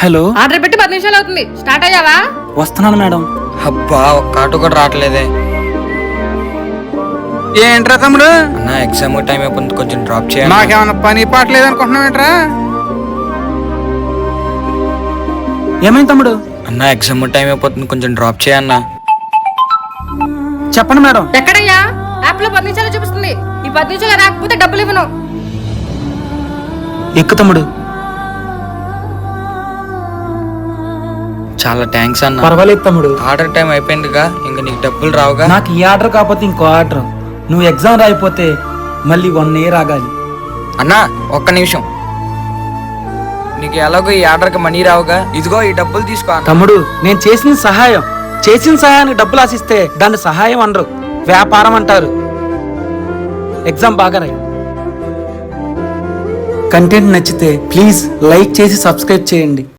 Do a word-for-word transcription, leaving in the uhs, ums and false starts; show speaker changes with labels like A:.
A: Hello,
B: order పెట్టి పది నిమిషాలు అవుతుంది. స్టార్ట్ అయ్యావా?
A: వస్తున్నాను మేడం.
C: అబ్బా ఒక్క ఆటో కూడా రావట్లేదే.
D: ఏంట్రా తమ్ముడు,
C: అన్న ఎగ్జామ్ టైం అయిపోతుంది, కొంచెం డ్రాప్ చేయండి.
D: నాకేమన్నా పని పాట లేదనుకుంటున్నావు ఏంట్రా?
A: ఏమైంది తమ్ముడు?
C: అన్న ఎగ్జామ్ టైం అయిపోతుంది, కొంచెం డ్రాప్ చేయన్నా.
A: చెప్పండి మేడం.
B: ఎక్కడయ్యా? యాప్ లో పది నిమిషాలు చూపిస్తుంది. ఈ పది నిమిషాలు రాకపోతే డబ్బులు ఇవ్వను.
A: ఎక్కు తమ్ముడు.
C: చాలా థ్యాంక్స్ అన్న.
A: పర్వాలేదు తమ్ముడు.
C: ఆర్డర్ టైం అయిపోయిందిగా, ఇంకా నీకు డబ్బులు రావుగా.
A: నాకు ఈ ఆర్డర్ కాకపోతే ఇంకో ఆర్డర్. నువ్వు ఎగ్జామ్ రాయిపోతే మళ్ళీ వన్ ఇయర్ ఆగాలి.
C: అన్నా ఒక్క నిమిషం, నీకు ఎలాగో ఈ ఆర్డర్కి మనీ రావుగా, ఇదిగో ఈ డబ్బులు తీసుకో అన్న.
A: తమ్ముడు, నేను చేసిన సహాయం చేసిన సహాయానికి డబ్బులు ఆశిస్తే దాన్ని సహాయం అనరు, వ్యాపారం అంటారు. ఎగ్జామ్ బాగా రాయి. కంటెంట్ నచ్చితే ప్లీజ్ లైక్ చేసి సబ్స్క్రైబ్ చేయండి.